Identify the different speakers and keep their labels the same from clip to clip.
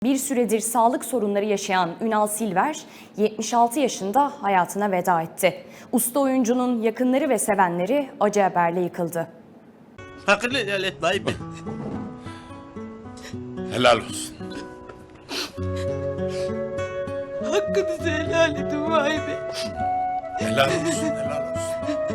Speaker 1: Bir süredir sağlık sorunları yaşayan Ünal Silver, 76 yaşında hayatına veda etti. Usta oyuncunun yakınları ve sevenleri acı haberle yıkıldı.
Speaker 2: Hakkını helal et Naim Bey.
Speaker 3: Helal olsun.
Speaker 2: Hakkınızı helal edin Naim Bey.
Speaker 3: Helal olsun, helal olsun.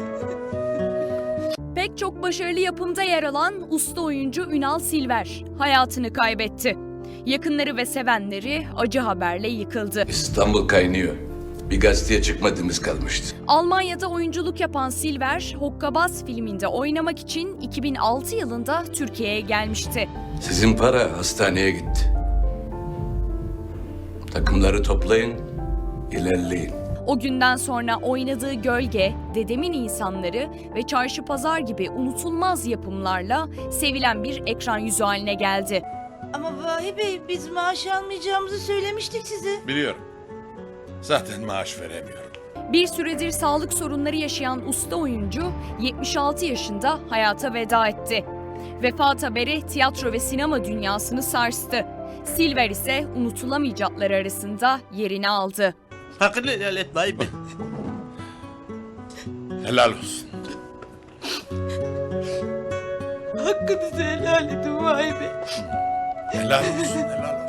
Speaker 1: Pek çok başarılı yapımda yer alan usta oyuncu Ünal Silver hayatını kaybetti. Yakınları ve sevenleri acı haberle yıkıldı.
Speaker 4: İstanbul kaynıyor. Bir gazeteye çıkmadığımız kalmıştı.
Speaker 1: Almanya'da oyunculuk yapan Silver, Hokkabaz filminde oynamak için 2006 yılında Türkiye'ye gelmişti.
Speaker 4: Sizin para hastaneye gitti. Takımları toplayın, ilerleyin.
Speaker 1: O günden sonra oynadığı Gölge, Dedemin İnsanları ve Çarşı Pazar gibi unutulmaz yapımlarla sevilen bir ekran yüzü haline geldi.
Speaker 5: Ama Vahi Bey, biz maaş almayacağımızı söylemiştik size.
Speaker 3: Biliyorum. Zaten maaş veremiyorum.
Speaker 1: Bir süredir sağlık sorunları yaşayan usta oyuncu 76 yaşında hayata veda etti. Vefat haberi tiyatro ve sinema dünyasını sarstı. Silver ise unutulamayacaklar arasında yerini aldı.
Speaker 2: Hakkını helal et Naim Bey.
Speaker 3: Helal olsun.
Speaker 2: Hakkınızı helal edin Naim Bey.
Speaker 3: Helal olsun, helal olsun.